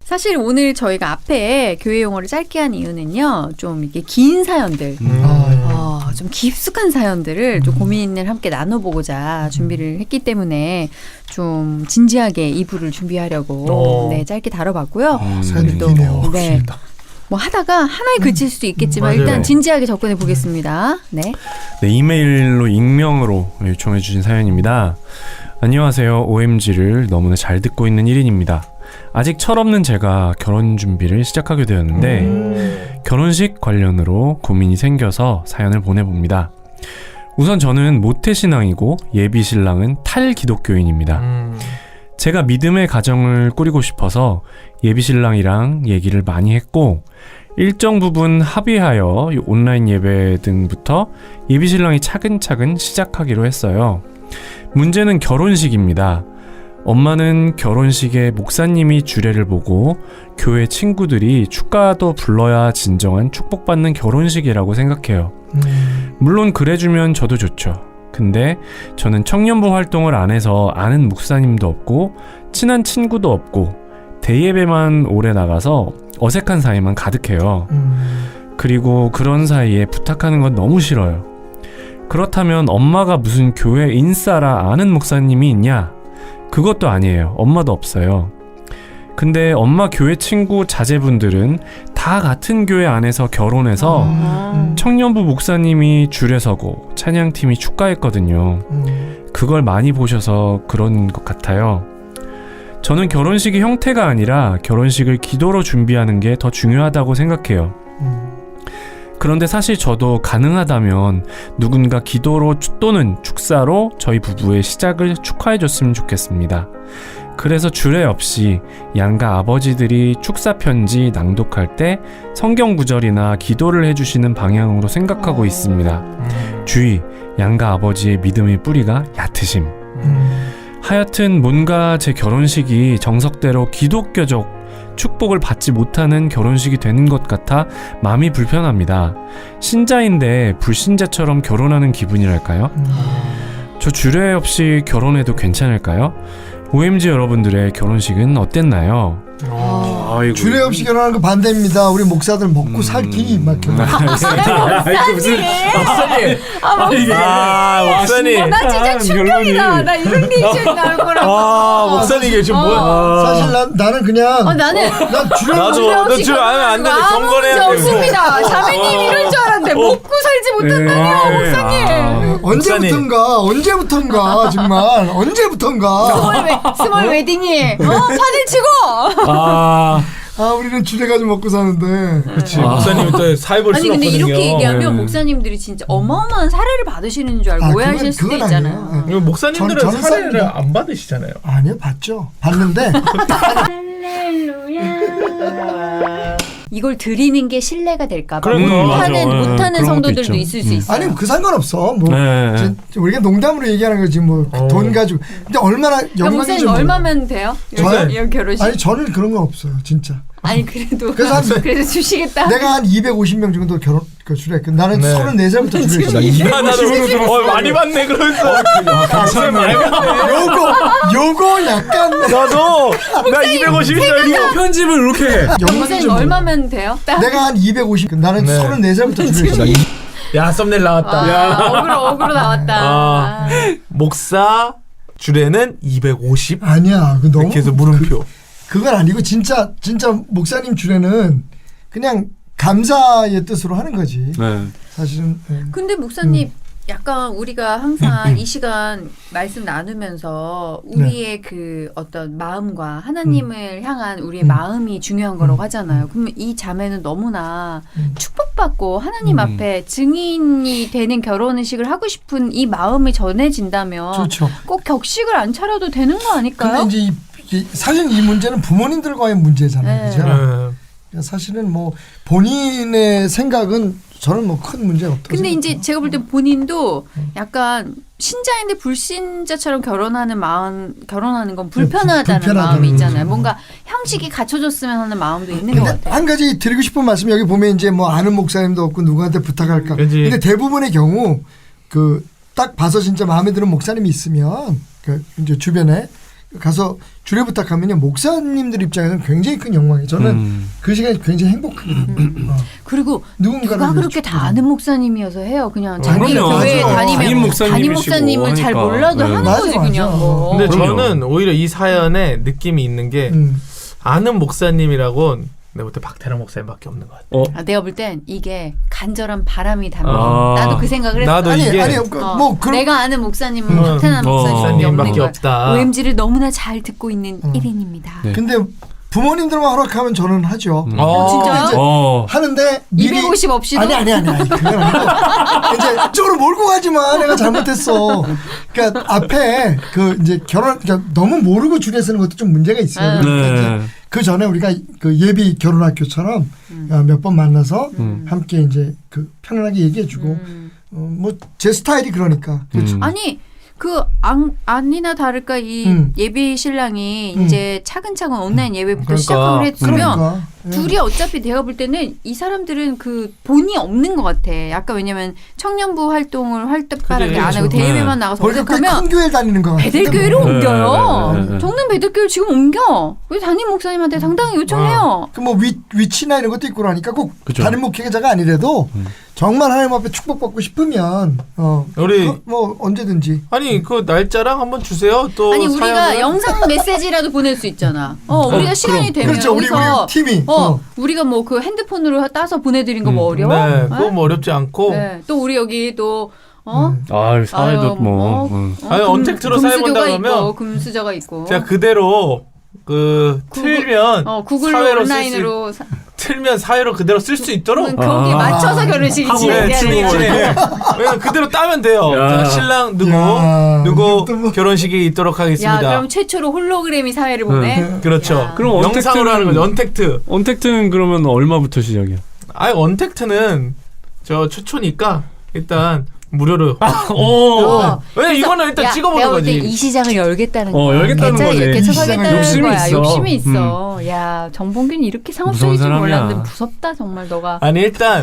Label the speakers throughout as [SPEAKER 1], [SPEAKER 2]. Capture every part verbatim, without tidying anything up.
[SPEAKER 1] 사실 오늘 저희가 앞에 교회 용어를 짧게 한 이유는요. 좀 이게 긴 사연들,
[SPEAKER 2] 음.
[SPEAKER 1] 어, 좀 깊숙한 사연들을 좀 고민을 함께 나눠보고자 준비를 했기 때문에 좀 진지하게 이 부를 준비하려고
[SPEAKER 2] 어.
[SPEAKER 1] 네, 짧게 다뤄봤고요.
[SPEAKER 2] 음.
[SPEAKER 3] 사연이
[SPEAKER 1] 또
[SPEAKER 3] 기네요.
[SPEAKER 1] 네. 뭐 하다가 하나에 그칠 수도 있겠지만
[SPEAKER 2] 맞아요.
[SPEAKER 1] 일단 진지하게 접근해 보겠습니다. 네.
[SPEAKER 4] 네, 이메일로 익명으로 요청해 주신 사연입니다. 안녕하세요. 오엠지를 너무나 잘 듣고 있는 일 인입니다. 아직 철없는 제가 결혼 준비를 시작하게 되었는데
[SPEAKER 2] 음.
[SPEAKER 4] 결혼식 관련으로 고민이 생겨서 사연을 보내봅니다. 우선 저는 모태신앙이고 예비신랑은 탈기독교인입니다.
[SPEAKER 2] 음.
[SPEAKER 4] 제가 믿음의 가정을 꾸리고 싶어서 예비신랑이랑 얘기를 많이 했고 일정 부분 합의하여 온라인 예배 등부터 예비신랑이 차근차근 시작하기로 했어요. 문제는 결혼식입니다. 엄마는 결혼식에 목사님이 주례를 보고 교회 친구들이 축가도 불러야 진정한 축복받는 결혼식이라고 생각해요.
[SPEAKER 3] 음.
[SPEAKER 4] 물론 그래주면 저도 좋죠. 근데 저는 청년부 활동을 안 해서 아는 목사님도 없고 친한 친구도 없고 대예배만 오래 나가서 어색한 사이만 가득해요.
[SPEAKER 3] 음.
[SPEAKER 4] 그리고 그런 사이에 부탁하는 건 너무 싫어요. 그렇다면 엄마가 무슨 교회 인싸라 아는 목사님이 있냐? 그것도 아니에요. 엄마도 없어요. 근데 엄마 교회 친구 자제분들은 다 같은 교회 안에서 결혼해서
[SPEAKER 1] 아.
[SPEAKER 4] 청년부 목사님이 줄에 서고 찬양팀이 축가했거든요.
[SPEAKER 3] 음.
[SPEAKER 4] 그걸 많이 보셔서 그런 것 같아요. 저는 결혼식이 형태가 아니라 결혼식을 기도로 준비하는 게 더 중요하다고 생각해요.
[SPEAKER 3] 음.
[SPEAKER 4] 그런데 사실 저도 가능하다면 누군가 기도로 또는 축사로 저희 부부의 시작을 축하해줬으면 좋겠습니다. 그래서 주례 없이 양가 아버지들이 축사 편지 낭독할 때 성경 구절이나 기도를 해주시는 방향으로 생각하고 있습니다.
[SPEAKER 2] 음.
[SPEAKER 4] 주의, 양가 아버지의 믿음의 뿌리가 얕으심.
[SPEAKER 3] 음.
[SPEAKER 4] 하여튼 뭔가 제 결혼식이 정석대로 기독교적 축복을 받지 못하는 결혼식이 되는 것 같아 마음이 불편합니다. 신자인데 불신자처럼 결혼하는 기분이랄까요?
[SPEAKER 3] 음.
[SPEAKER 4] 저 주례 없이 결혼해도 괜찮을까요? 오엠지 여러분들의 결혼식은 어땠나요?
[SPEAKER 2] 어.
[SPEAKER 4] 아이고.
[SPEAKER 3] 주례 없이 결혼하는 거 반대입니다. 우리 목사들 먹고 살기 막 결혼.
[SPEAKER 2] 아이고 무슨 목사님.
[SPEAKER 1] 아,
[SPEAKER 2] 이게- 아 목사님.
[SPEAKER 1] 나 진짜 충격이다. 나 이런 리액션 나올 거라고.
[SPEAKER 2] 아 목사님 이게 지금 뭐야?
[SPEAKER 3] 사실 난 나는 그냥
[SPEAKER 1] 어, 나는
[SPEAKER 3] 난 주례
[SPEAKER 2] 나도
[SPEAKER 1] 주례
[SPEAKER 2] 너
[SPEAKER 1] 없이
[SPEAKER 2] 주례 하면 안 되는데
[SPEAKER 1] 아무
[SPEAKER 2] 경건해야
[SPEAKER 1] 문제
[SPEAKER 2] 돼.
[SPEAKER 1] 없습니다. 자매님 이럴 줄 알았는데 먹고 살지 못한다뇨,
[SPEAKER 4] 네.
[SPEAKER 1] 목사님.
[SPEAKER 4] 아.
[SPEAKER 3] 언제부턴가 언제부턴가 정말 언제부턴가
[SPEAKER 1] 스몰, 웨, 스몰 웨딩이 어? 판을 치고.
[SPEAKER 4] 아,
[SPEAKER 3] 아 우리는 주례 가지고 먹고 사는데
[SPEAKER 2] 그렇지. 목사님이 또 사회볼
[SPEAKER 1] 아니
[SPEAKER 2] 수
[SPEAKER 1] 근데
[SPEAKER 2] 없거든요.
[SPEAKER 1] 이렇게 얘기하면
[SPEAKER 4] 네.
[SPEAKER 1] 목사님들이 진짜 어마어마한 사례를 받으시는 줄 알고
[SPEAKER 3] 아,
[SPEAKER 1] 오해하실
[SPEAKER 3] 그건-
[SPEAKER 1] 수도
[SPEAKER 3] 그건
[SPEAKER 1] 있잖아요.
[SPEAKER 3] 아니에요.
[SPEAKER 2] 이거 목사님들은
[SPEAKER 3] 전- 전
[SPEAKER 2] 사례를
[SPEAKER 3] 사람들-
[SPEAKER 2] 안 받으시잖아요.
[SPEAKER 3] 아니요 봤죠 봤는데
[SPEAKER 1] 이걸 드리는 게 신뢰가 될까 봐
[SPEAKER 2] 그러니까.
[SPEAKER 1] 못하는
[SPEAKER 4] 음, 맞아.
[SPEAKER 1] 못하는
[SPEAKER 4] 네, 그런 것도
[SPEAKER 1] 성도들도
[SPEAKER 4] 있죠.
[SPEAKER 1] 있을 수
[SPEAKER 4] 음.
[SPEAKER 1] 있어요.
[SPEAKER 3] 아니 그 상관없어 뭐
[SPEAKER 4] 네.
[SPEAKER 3] 지- 우리가 농담으로 얘기하는 거지 뭐 돈
[SPEAKER 2] 어.
[SPEAKER 3] 가지고 근데 얼마나
[SPEAKER 1] 그럼
[SPEAKER 3] 영광인지
[SPEAKER 1] 목사님
[SPEAKER 3] 몰라.
[SPEAKER 1] 얼마면 돼요?
[SPEAKER 3] 저요?
[SPEAKER 1] 여기, 여기 결혼식?
[SPEAKER 3] 아니
[SPEAKER 1] 아니,
[SPEAKER 3] 저는 그런 건 없어요 진짜
[SPEAKER 1] 그래도
[SPEAKER 3] 그래서 한-
[SPEAKER 1] 그래도 주시겠다.
[SPEAKER 3] 내가 한 이백오십 명 정도 결혼 그 주례했고 나는
[SPEAKER 2] 네.
[SPEAKER 3] 서른네 살부터 주례했어
[SPEAKER 2] 야 나도 어 많이 받네 그러면서. 목사님 많이 받네.
[SPEAKER 3] 요거 요거 약간
[SPEAKER 2] 나도 나 이백오십이짜리
[SPEAKER 4] 편집을 이렇게 해.
[SPEAKER 3] 영광인지
[SPEAKER 1] 목사님
[SPEAKER 3] 몰라.
[SPEAKER 1] 얼마면 돼요? 딱.
[SPEAKER 3] 내가 한 이백오십 나는
[SPEAKER 2] 네.
[SPEAKER 3] 서른네 살부터 주례했어
[SPEAKER 2] 야 썸네일 나왔다.
[SPEAKER 1] 아, 어그로 어그로 나왔다.
[SPEAKER 2] 아. 목사 주례는 이백오십.
[SPEAKER 3] 아니야 그 너무
[SPEAKER 2] 이렇게 해서 물음표.
[SPEAKER 3] 그건 아니고 진짜 진짜 목사님 주례는 그냥 감사의 뜻으로 하는 거지
[SPEAKER 4] 네.
[SPEAKER 3] 사실은 예.
[SPEAKER 1] 근데 목사님 약간 우리가 항상 이 시간 말씀 나누면서 우리의 그 어떤 마음과 하나님을 향한 우리의
[SPEAKER 3] 음.
[SPEAKER 1] 마음이 중요한 거라고 하잖아요. 그러면 이 자매는 너무나
[SPEAKER 3] 음.
[SPEAKER 1] 축복받고 하나님
[SPEAKER 4] 음.
[SPEAKER 1] 앞에 증인이 되는 결혼식을 하고 싶은 이 마음이 전해진다면
[SPEAKER 3] 그렇죠
[SPEAKER 1] 꼭 격식을 안 차려도 되는 거 아닐까요?
[SPEAKER 3] 근데 이제 이, 이, 사실 이 문제는 부모님들과의 문제잖아요
[SPEAKER 1] 네.
[SPEAKER 3] 그죠
[SPEAKER 2] 네.
[SPEAKER 3] 그러니까 사실은 뭐 본인의 생각은 저는 뭐 큰 문제가 없다고
[SPEAKER 1] 근데 이제
[SPEAKER 3] 생각해요.
[SPEAKER 1] 제가 볼 때 본인도 약간 신자인데 불신자처럼 결혼하는 마음, 결혼하는 건 불편하다는
[SPEAKER 3] 불편하다는
[SPEAKER 1] 마음이 있잖아요.
[SPEAKER 3] 거죠.
[SPEAKER 1] 뭔가 형식이 갖춰졌으면 하는 마음도 있는 것
[SPEAKER 3] 근데
[SPEAKER 1] 같아요.
[SPEAKER 3] 한 가지 드리고 싶은 말씀이 여기 보면 이제 뭐 아는 목사님도 없고 누구한테 부탁할까.
[SPEAKER 2] 그치.
[SPEAKER 3] 근데 대부분의 경우 그 딱 봐서 진짜 마음에 드는 목사님이 있으면 그 이제 주변에 가서 주례 부탁하면요 목사님들 입장에서는 굉장히 큰 영광이에요. 저는
[SPEAKER 4] 음.
[SPEAKER 3] 그 시간이 굉장히 행복하거든요. 어.
[SPEAKER 1] 그리고
[SPEAKER 3] 누군가를
[SPEAKER 1] 누가 그렇게
[SPEAKER 3] 위해
[SPEAKER 1] 다
[SPEAKER 3] 축복을.
[SPEAKER 1] 아는 목사님이어서 해요. 그냥 자기
[SPEAKER 4] 그럼요.
[SPEAKER 1] 교회
[SPEAKER 3] 맞아.
[SPEAKER 1] 다니면
[SPEAKER 4] 담임 목사님이시고
[SPEAKER 1] 담임 목사님은 잘
[SPEAKER 4] 하니까.
[SPEAKER 1] 몰라도
[SPEAKER 4] 네.
[SPEAKER 1] 하는
[SPEAKER 3] 맞아,
[SPEAKER 1] 거지
[SPEAKER 3] 맞아.
[SPEAKER 1] 그냥 뭐.
[SPEAKER 2] 근데
[SPEAKER 4] 그럼요.
[SPEAKER 2] 저는 오히려 이 사연에 느낌이 있는 게
[SPEAKER 3] 음.
[SPEAKER 2] 아는 목사님이라고는 내가 볼 때 박태랑 목사님밖에 없는 것 같아.
[SPEAKER 4] 어?
[SPEAKER 1] 아, 내가 볼 땐 이게 간절한 바람이 담긴.
[SPEAKER 4] 아.
[SPEAKER 1] 나도 그 생각을 했어.
[SPEAKER 2] 나도
[SPEAKER 3] 아니
[SPEAKER 2] 이게
[SPEAKER 3] 아니 그,
[SPEAKER 1] 어,
[SPEAKER 3] 뭐 그런
[SPEAKER 1] 내가 아는 목사님은
[SPEAKER 2] 음.
[SPEAKER 1] 박태남
[SPEAKER 4] 어.
[SPEAKER 1] 목사님밖에 없는
[SPEAKER 2] 목사님밖에
[SPEAKER 1] 거야.
[SPEAKER 2] 없다.
[SPEAKER 1] 오엠지를 너무나 잘 듣고 있는
[SPEAKER 3] 어.
[SPEAKER 1] 일 인입니다.
[SPEAKER 4] 네.
[SPEAKER 3] 근데 부모님들만 허락하면 저는 하죠.
[SPEAKER 4] 음.
[SPEAKER 2] 어,
[SPEAKER 1] 진짜요?
[SPEAKER 3] 이제
[SPEAKER 4] 어.
[SPEAKER 3] 하는데 미리
[SPEAKER 1] 이백오십 없이도
[SPEAKER 3] 아니 아니 아니 아니 그건 아니고 이제 이쪽으로 몰고 가지 마 내가 잘못했어. 그러니까 앞에 그 이제 결혼 그러니까 너무 모르고 줄에 서는 것도 좀 문제가 있어요.
[SPEAKER 1] 아.
[SPEAKER 3] 그러니까
[SPEAKER 4] 네.
[SPEAKER 3] 이제 그 전에 우리가 그 예비 결혼학교처럼
[SPEAKER 1] 음.
[SPEAKER 3] 몇 번 만나서
[SPEAKER 1] 음.
[SPEAKER 3] 함께 이제 그 편안하게 얘기해주고
[SPEAKER 1] 음.
[SPEAKER 3] 어, 뭐 제 스타일이 그러니까 그렇죠.
[SPEAKER 4] 음.
[SPEAKER 1] 아니 그 안, 아니나 다를까 이
[SPEAKER 3] 음.
[SPEAKER 1] 예비 신랑이
[SPEAKER 3] 음.
[SPEAKER 1] 이제 차근차근 온라인 예배부터
[SPEAKER 2] 그러니까.
[SPEAKER 1] 시작을 했으면
[SPEAKER 3] 그러니까 예.
[SPEAKER 1] 둘이 어차피 내가 볼 때는 이 사람들은 그 본이 없는 것 같아. 약간 왜냐면 청년부 활동을 활발하게
[SPEAKER 2] 그래,
[SPEAKER 1] 안 하고
[SPEAKER 2] 그렇죠.
[SPEAKER 1] 대예배만 나가서
[SPEAKER 3] 벌써
[SPEAKER 1] 어색하면
[SPEAKER 3] 꽤큰 교회 다니는 거 같은데
[SPEAKER 1] 베들교회로
[SPEAKER 3] 뭐.
[SPEAKER 4] 네,
[SPEAKER 1] 옮겨요.
[SPEAKER 4] 네, 네, 네.
[SPEAKER 1] 정릉 베들교회 지금 옮겨. 우리 담임 목사님한테 당당히 요청해요.
[SPEAKER 3] 그 뭐 위치나 이런 것도 있고 그러니까 꼭
[SPEAKER 4] 그죠.
[SPEAKER 3] 다른 목회자가 아니래도
[SPEAKER 4] 음.
[SPEAKER 3] 정말 하나님 앞에 축복받고 싶으면 어,
[SPEAKER 2] 우리-
[SPEAKER 3] 그, 뭐 언제든지
[SPEAKER 2] 아니 그 날짜랑 한번 주세요. 또
[SPEAKER 1] 아니 우리가
[SPEAKER 2] 사연을.
[SPEAKER 1] 영상 메시지라도 보낼 수 있잖아. 어, 우리가 시간이 되면
[SPEAKER 3] 그렇죠. 우리
[SPEAKER 1] 여기서
[SPEAKER 3] 우리 팀이
[SPEAKER 1] 어,
[SPEAKER 3] 어.
[SPEAKER 1] 우리가 뭐 그 핸드폰으로 따서 보내드린 거 뭐 어려워?
[SPEAKER 2] 네, 그거 뭐 어렵지 않고.
[SPEAKER 1] 네. 또 우리 여기 또 어?
[SPEAKER 3] 음.
[SPEAKER 4] 아유 사회도
[SPEAKER 1] 아유,
[SPEAKER 4] 뭐.
[SPEAKER 1] 어,
[SPEAKER 4] 음.
[SPEAKER 1] 어,
[SPEAKER 2] 아니,
[SPEAKER 1] 금-
[SPEAKER 2] 언택트로 사회 본다
[SPEAKER 1] 금수저가
[SPEAKER 2] 그러면
[SPEAKER 1] 있고, 금수저가 있고.
[SPEAKER 2] 제가 그대로 그
[SPEAKER 1] 구글-
[SPEAKER 2] 틀면
[SPEAKER 1] 어 구글로
[SPEAKER 2] 사회로 쓸 수
[SPEAKER 1] 온라인으로 사,
[SPEAKER 2] 틀면 사회로 그대로 쓸 수 있도록
[SPEAKER 1] 음, 거기에
[SPEAKER 4] 아.
[SPEAKER 1] 맞춰서 결혼식이
[SPEAKER 2] 하고 네,
[SPEAKER 1] 진행돼야
[SPEAKER 2] 진행
[SPEAKER 1] 되는
[SPEAKER 2] 진행. 그냥 그대로 따면 돼요.
[SPEAKER 4] 야.
[SPEAKER 2] 자, 신랑 누구
[SPEAKER 3] 야,
[SPEAKER 2] 누구
[SPEAKER 3] 이것도 뭐-
[SPEAKER 2] 결혼식이 있도록
[SPEAKER 1] 야
[SPEAKER 2] 하겠습니다.
[SPEAKER 1] 그럼 최초로 홀로그램이 사회를 보내.
[SPEAKER 2] 그렇죠.
[SPEAKER 1] 야.
[SPEAKER 4] 그럼
[SPEAKER 2] 영상으로
[SPEAKER 4] 언택트는-
[SPEAKER 2] 하는 거죠. 언택트.
[SPEAKER 4] 언택트는 그러면 얼마부터 시작이야?
[SPEAKER 2] 아니 언택트는 저 최초니까 일단 무료로.
[SPEAKER 4] 오.
[SPEAKER 1] 어.
[SPEAKER 2] 왜냐 이거는 일단
[SPEAKER 1] 야,
[SPEAKER 2] 찍어보는
[SPEAKER 1] 내가 볼 때
[SPEAKER 2] 거지.
[SPEAKER 1] 이 시장을 열겠다는
[SPEAKER 4] 어,
[SPEAKER 1] 거야.
[SPEAKER 4] 열겠다는
[SPEAKER 1] 개차,
[SPEAKER 4] 거지.
[SPEAKER 1] 개차
[SPEAKER 3] 이 시장을
[SPEAKER 1] 서겠다는
[SPEAKER 4] 욕심이
[SPEAKER 1] 거야.
[SPEAKER 4] 있어.
[SPEAKER 1] 욕심이 있어. 야 정봉균이 이렇게 상업적일 줄
[SPEAKER 4] 무서운
[SPEAKER 1] 몰랐는데
[SPEAKER 4] 사람이야.
[SPEAKER 1] 무섭다 정말 너가.
[SPEAKER 2] 아니 일단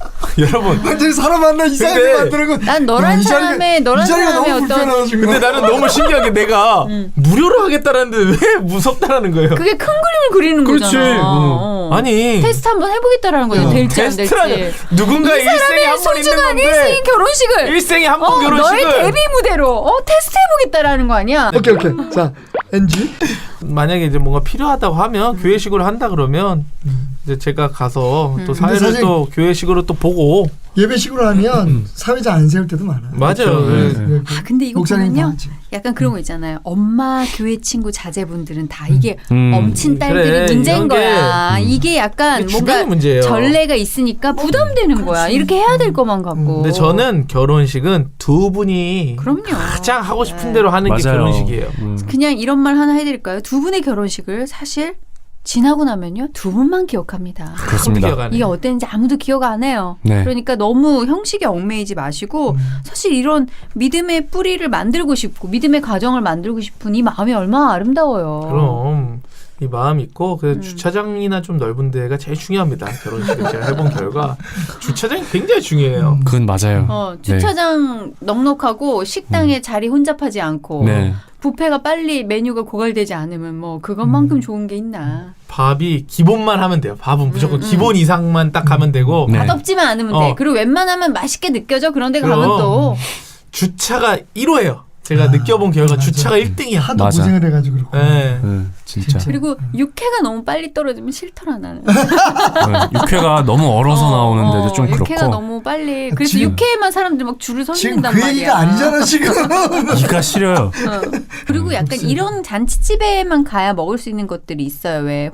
[SPEAKER 2] 여러분.
[SPEAKER 3] 완전히 사람 만나 이상하게
[SPEAKER 2] 근데-
[SPEAKER 3] 만들고
[SPEAKER 1] 난 너란
[SPEAKER 3] 야, 이 자리가-
[SPEAKER 1] 사람의 너란
[SPEAKER 3] 이 자리가
[SPEAKER 1] 사람의
[SPEAKER 3] 너무
[SPEAKER 1] 어떤
[SPEAKER 3] 불편하다 지금.
[SPEAKER 2] 근데 나는 너무 신기한 게 내가
[SPEAKER 1] 음.
[SPEAKER 2] 무료로 하겠다라는데 왜 무섭다라는 거예요?
[SPEAKER 1] 그게 큰 그림을 그리는
[SPEAKER 4] 그렇지.
[SPEAKER 1] 거잖아.
[SPEAKER 4] 어.
[SPEAKER 1] 어.
[SPEAKER 2] 아니
[SPEAKER 1] 테스트 한번 해보겠다라는 거죠.
[SPEAKER 3] 어.
[SPEAKER 1] 될지 안 될지.
[SPEAKER 2] 테스트라는 누군가
[SPEAKER 1] 이
[SPEAKER 2] 일생에
[SPEAKER 1] 사람의
[SPEAKER 2] 한 번 있는
[SPEAKER 1] 소중한
[SPEAKER 2] 건데
[SPEAKER 1] 일생 결혼식을
[SPEAKER 2] 일생에 한 번
[SPEAKER 1] 어,
[SPEAKER 2] 결혼식을
[SPEAKER 1] 너의 데뷔 무대로 어, 테스트 해보겠다라는 거 아니야?
[SPEAKER 3] 오케이 오케이 자 엔지
[SPEAKER 2] 만약에 이제 뭔가 필요하다고 하면 교회식으로 한다 그러면 이제 제가 가서
[SPEAKER 1] 음.
[SPEAKER 2] 또 사회를
[SPEAKER 3] 근데 사실-
[SPEAKER 2] 또 교회식으로 또 보고
[SPEAKER 3] 예배식으로 하면 사회자 안 세울 때도 많아.
[SPEAKER 2] 맞아요.
[SPEAKER 4] 그렇죠.
[SPEAKER 2] 네.
[SPEAKER 4] 네.
[SPEAKER 3] 그
[SPEAKER 1] 아 근데 이거
[SPEAKER 3] 목사님 다
[SPEAKER 1] 보면요
[SPEAKER 3] 하지.
[SPEAKER 1] 약간 그런 거 있잖아요. 엄마 교회 친구 자제분들은 다 이게
[SPEAKER 4] 음.
[SPEAKER 1] 엄친 딸들이
[SPEAKER 2] 그래,
[SPEAKER 1] 문제인
[SPEAKER 2] 이런 게-
[SPEAKER 1] 거야.
[SPEAKER 4] 음.
[SPEAKER 1] 이게 약간
[SPEAKER 2] 이게
[SPEAKER 1] 뭔가
[SPEAKER 2] 주변의 문제예요.
[SPEAKER 1] 전례가 있으니까 부담되는 거야. 이렇게 해야 될 것만 같고.
[SPEAKER 2] 근데 저는 결혼식은 두 분이
[SPEAKER 1] 그럼요.
[SPEAKER 2] 가장 하고 싶은
[SPEAKER 1] 네.
[SPEAKER 2] 대로 하는 게
[SPEAKER 4] 맞아요.
[SPEAKER 2] 결혼식이에요.
[SPEAKER 4] 음.
[SPEAKER 1] 그냥 이런 말 하나 해드릴까요? 두 분의 결혼식을 사실 지나고 나면요 두 분만 기억합니다.
[SPEAKER 4] 그렇습니다.
[SPEAKER 2] 기억하네.
[SPEAKER 1] 이게 어땠는지 아무도 기억 안 해요.
[SPEAKER 4] 네.
[SPEAKER 1] 그러니까 너무 형식에 얽매이지 마시고 사실 이런 믿음의 뿌리를 만들고 싶고 믿음의 가정을 만들고 싶은 이 마음이 얼마나 아름다워요.
[SPEAKER 2] 그럼 이 마음 있고 그
[SPEAKER 1] 음.
[SPEAKER 2] 주차장이나 좀 넓은 데가 제일 중요합니다. 결혼식을 제가 해본 결과 주차장이 굉장히 중요해요.
[SPEAKER 4] 그건 맞아요.
[SPEAKER 1] 어, 주차장 넉넉하고 식당에 자리 혼잡하지 않고
[SPEAKER 4] 네.
[SPEAKER 1] 뷔페가 빨리 메뉴가 고갈되지 않으면 뭐 그것만큼 좋은 게 있나.
[SPEAKER 2] 밥이 기본만 하면 돼요. 밥은 무조건
[SPEAKER 1] 음, 음.
[SPEAKER 2] 기본 이상만 딱 하면 되고
[SPEAKER 4] 네.
[SPEAKER 1] 맛없지만 않으면
[SPEAKER 2] 어.
[SPEAKER 1] 돼. 그리고 웬만하면 맛있게 느껴져. 그런데
[SPEAKER 2] 그럼.
[SPEAKER 1] 가면 또
[SPEAKER 2] 주차가 일 호예요. 제가
[SPEAKER 3] 아,
[SPEAKER 2] 느껴본 결과
[SPEAKER 3] 맞아.
[SPEAKER 2] 주차가 일 등이야.
[SPEAKER 3] 하도
[SPEAKER 4] 맞아.
[SPEAKER 3] 고생을 해가지고 그렇고.
[SPEAKER 2] 네.
[SPEAKER 4] 네, 진짜.
[SPEAKER 3] 진짜.
[SPEAKER 1] 그리고 육회가 너무 빨리 떨어지면 싫더라 나는.
[SPEAKER 4] 네, 육회가 너무 얼어서 나오는데도
[SPEAKER 1] 어,
[SPEAKER 4] 좀 그렇고.
[SPEAKER 1] 육회가 너무 빨리. 그래서
[SPEAKER 3] 지금-
[SPEAKER 1] 육회에만 사람들이 막 줄을 서
[SPEAKER 3] 지금
[SPEAKER 1] 있는단
[SPEAKER 3] 그
[SPEAKER 1] 말이야.
[SPEAKER 3] 얘기가 아니잖아 지금.
[SPEAKER 4] 이가 시려요.
[SPEAKER 1] 어. 그리고
[SPEAKER 3] 음,
[SPEAKER 1] 약간
[SPEAKER 3] 글쎄.
[SPEAKER 1] 이런 잔치집에만 가야 먹을 수 있는 것들이 있어요. 왜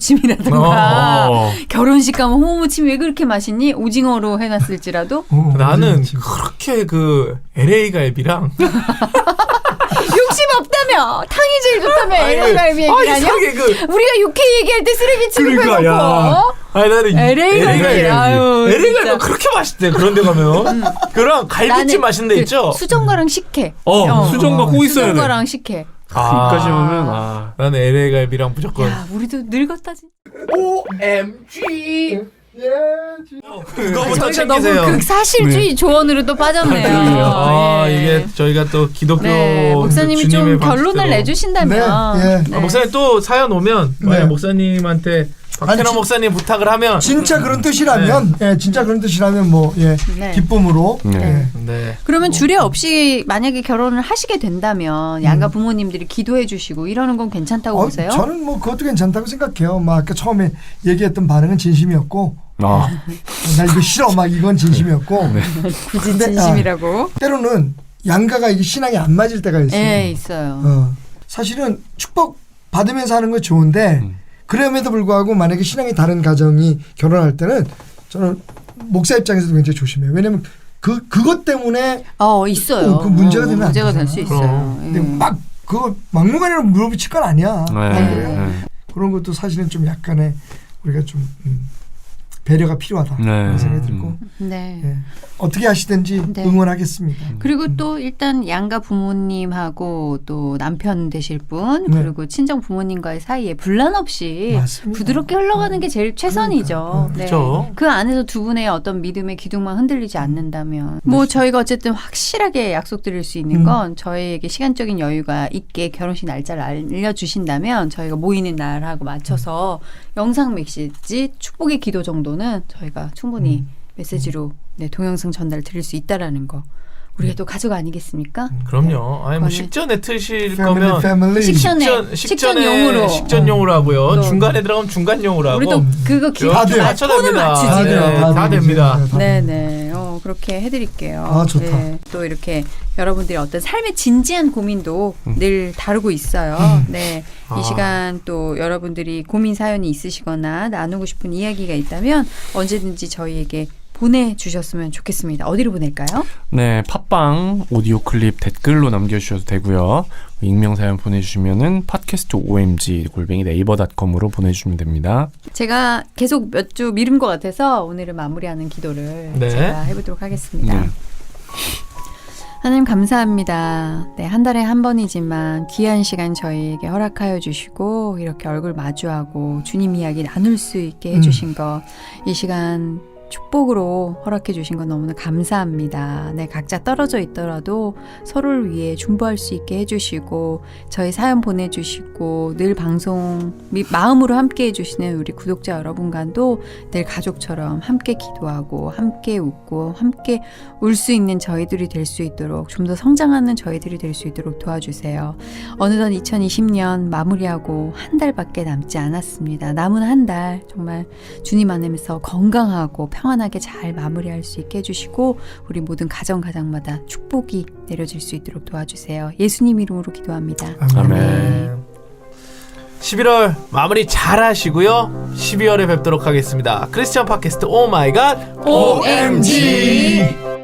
[SPEAKER 1] 홍어무침이라든가
[SPEAKER 4] 어.
[SPEAKER 1] 결혼식 가면 홍어무침이 왜 그렇게 맛있니? 오징어로 해놨을지라도
[SPEAKER 3] 어,
[SPEAKER 2] 나는
[SPEAKER 3] 지금.
[SPEAKER 2] 그렇게 그 엘에이 갈비랑
[SPEAKER 1] 욕심 없다며 탕이 제일 좋다며 엘에이갈비
[SPEAKER 2] 아
[SPEAKER 1] 얘기하냐?
[SPEAKER 2] 이상하게 그
[SPEAKER 1] 우리가 육회 얘기할 때 쓰레기 취급해놓고
[SPEAKER 2] 그러니까, 야. 아니 나는
[SPEAKER 1] 엘에이 갈비. 아유,
[SPEAKER 2] 엘에이 갈비
[SPEAKER 1] 진짜.
[SPEAKER 2] 그렇게 맛있대. 그런 데 가면 그럼 갈비찜 맛있는 데
[SPEAKER 1] 그
[SPEAKER 2] 있죠.
[SPEAKER 1] 수정과랑 식혜.
[SPEAKER 4] 어, 수정과 꼭 있어야 돼.
[SPEAKER 1] 수정과랑 식혜.
[SPEAKER 4] 여기까지 오면 아.
[SPEAKER 2] 나는 엘에이 갈비랑 무조건
[SPEAKER 1] 야, 우리도 늙었다 진짜.
[SPEAKER 2] 오엠지
[SPEAKER 3] 예, 지-
[SPEAKER 2] 그거부터
[SPEAKER 1] 저희가 너무
[SPEAKER 2] 챙기세요.
[SPEAKER 1] 극사실주의 조언으로 또 빠졌네요.
[SPEAKER 2] 아,
[SPEAKER 1] 예.
[SPEAKER 2] 이게 저희가 또 기독교
[SPEAKER 1] 네, 목사님이 좀
[SPEAKER 2] 주님의
[SPEAKER 1] 결론을
[SPEAKER 2] 방식대로.
[SPEAKER 1] 내주신다면
[SPEAKER 3] 네, 예.
[SPEAKER 1] 네.
[SPEAKER 2] 아, 목사님 또 사연 오면 만약
[SPEAKER 3] 네.
[SPEAKER 2] 목사님한테 박태남
[SPEAKER 3] 아니, 지-
[SPEAKER 2] 목사님 부탁을 하면
[SPEAKER 3] 진짜 그런 뜻이라면, 예, 진짜 그런 뜻이라면 뭐, 예,
[SPEAKER 1] 네.
[SPEAKER 3] 기쁨으로.
[SPEAKER 4] 네.
[SPEAKER 3] 예.
[SPEAKER 2] 네.
[SPEAKER 1] 그러면 주례 없이 만약에 결혼을 하시게 된다면 양가 부모님들이 기도해 주시고 이러는 건 괜찮다고
[SPEAKER 3] 어,
[SPEAKER 1] 보세요?
[SPEAKER 3] 저는 뭐 그것도 괜찮다고 생각해요. 막 아까 처음에 얘기했던 반응은 진심이었고,
[SPEAKER 4] 아,
[SPEAKER 3] 나 이거 싫어, 막 이건 진심이었고,
[SPEAKER 1] 굳이
[SPEAKER 3] 근데,
[SPEAKER 1] 진심이라고?
[SPEAKER 3] 때로는 양가가 이게 신앙이 안 맞을 때가 있어요.
[SPEAKER 1] 예, 있어요.
[SPEAKER 3] 어. 사실은 축복 받으면서 하는 건 좋은데
[SPEAKER 4] 음.
[SPEAKER 3] 그럼에도 불구하고 만약에 신앙이 다른 가정이 결혼할 때는 저는 목사 입장에서도 굉장히 조심해요. 왜냐면 그 그것 때문에
[SPEAKER 1] 어, 있어요.
[SPEAKER 3] 어, 그 문제가 되면 안
[SPEAKER 1] 문제가 될 수
[SPEAKER 3] 되잖아.
[SPEAKER 1] 있어요.
[SPEAKER 3] 근데
[SPEAKER 1] 예.
[SPEAKER 3] 막 그거 막무가내로 물어붙일 건 아니야.
[SPEAKER 4] 네.
[SPEAKER 3] 안 그래요?
[SPEAKER 4] 네.
[SPEAKER 3] 그런 것도 사실은 좀 약간의 우리가 좀 음, 배려가 필요하다
[SPEAKER 4] 네.
[SPEAKER 3] 그런 생각이 들고
[SPEAKER 1] 네.
[SPEAKER 3] 예. 어떻게 하시든지
[SPEAKER 1] 네.
[SPEAKER 3] 응원하겠습니다.
[SPEAKER 1] 그리고 또 일단 양가 부모님하고 또 남편 되실 분
[SPEAKER 3] 네.
[SPEAKER 1] 그리고 친정 부모님과의 사이에 분란 없이
[SPEAKER 3] 맞습니다.
[SPEAKER 1] 부드럽게 흘러가는 게 제일 최선이죠.
[SPEAKER 3] 그러니까.
[SPEAKER 1] 네.
[SPEAKER 2] 그렇죠.
[SPEAKER 1] 그 안에서 두 분의 어떤 믿음의 기둥만 흔들리지 않는다면 뭐 저희가 어쨌든 확실하게 약속드릴 수 있는
[SPEAKER 3] 음.
[SPEAKER 1] 건 저희에게 시간적인 여유가 있게 결혼식 날짜를 알려주신다면 저희가 모이는 날하고 맞춰서 영상 메시지 축복의 기도 정도는 저희가 충분히
[SPEAKER 3] 음.
[SPEAKER 1] 메시지로 네, 동영상 전달 드릴 수 있다라는 거. 우리가 또 가족 아니겠습니까?
[SPEAKER 2] 그럼요. 아니 뭐
[SPEAKER 1] 그거는-
[SPEAKER 2] 식전에 트실
[SPEAKER 3] 패밀리
[SPEAKER 2] 거면
[SPEAKER 3] 패밀리
[SPEAKER 1] 식전에
[SPEAKER 2] 식전
[SPEAKER 1] 식전용으로.
[SPEAKER 2] 식전용으로 하고요.
[SPEAKER 1] 또.
[SPEAKER 2] 중간에 들어가면 중간용으로 하고.
[SPEAKER 1] 우리 또 그거 기
[SPEAKER 3] 다 돼요.
[SPEAKER 2] 맞춰
[SPEAKER 1] 톤을
[SPEAKER 2] 됩니다.
[SPEAKER 1] 맞추지.
[SPEAKER 3] 다 돼요.
[SPEAKER 2] 네,
[SPEAKER 3] 다
[SPEAKER 2] 다
[SPEAKER 3] 되죠.
[SPEAKER 2] 됩니다.
[SPEAKER 3] 네, 다
[SPEAKER 1] 네네. 어, 그렇게 해드릴게요.
[SPEAKER 3] 아, 좋다.
[SPEAKER 1] 네, 또 이렇게 여러분들의 어떤 삶의 진지한 고민도 늘 다루고 있어요.
[SPEAKER 3] 음.
[SPEAKER 1] 네.
[SPEAKER 2] 아.
[SPEAKER 1] 이 시간 또 여러분들이 고민 사연이 있으시거나 나누고 싶은 이야기가 있다면 언제든지 저희에게 보내주셨으면 좋겠습니다. 어디로 보낼까요?
[SPEAKER 4] 네, 팟빵 오디오 클립 댓글로 남겨주셔도 되고요. 익명 사연 보내주시면은 팟캐스트 오엠지 골뱅이 네이버 닷컴으로 보내주시면 됩니다.
[SPEAKER 1] 제가 계속 몇 주 미룬 것 같아서 오늘은 마무리하는 기도를
[SPEAKER 2] 네.
[SPEAKER 1] 제가 해보도록 하겠습니다.
[SPEAKER 4] 네.
[SPEAKER 1] 하나님 감사합니다. 네, 한 달에 한 번이지만 귀한 시간 저희에게 허락하여 주시고 이렇게 얼굴 마주하고 주님 이야기 나눌 수 있게 해주신 거 이 시간 축복으로 허락해 주신 건 너무나 감사합니다. 네, 각자 떨어져 있더라도 서로를 위해 중보할 수 있게 해주시고 저희 사연 보내주시고 늘 방송 및 마음으로 함께 해주시는 우리 구독자 여러분과도 늘 가족처럼 함께 기도하고 함께 웃고 함께 울 수 있는 저희들이 될 수 있도록 좀 더 성장하는 저희들이 될 수 있도록 도와주세요. 어느덧 이천이십 년 마무리하고 한 달밖에 남지 않았습니다. 남은 한 달 정말 주님 안에서 건강하고 평안하게 잘 마무리할 수 있게 해주시고 우리 모든 가정 가정마다 축복이 내려질 수 있도록 도와주세요. 예수님 이름으로 기도합니다.
[SPEAKER 4] 아멘.
[SPEAKER 2] 십일월 마무리 잘 하시고요. 십이월에 뵙도록 하겠습니다. 크리스천 팟캐스트 오 마이 갓
[SPEAKER 1] 오엠지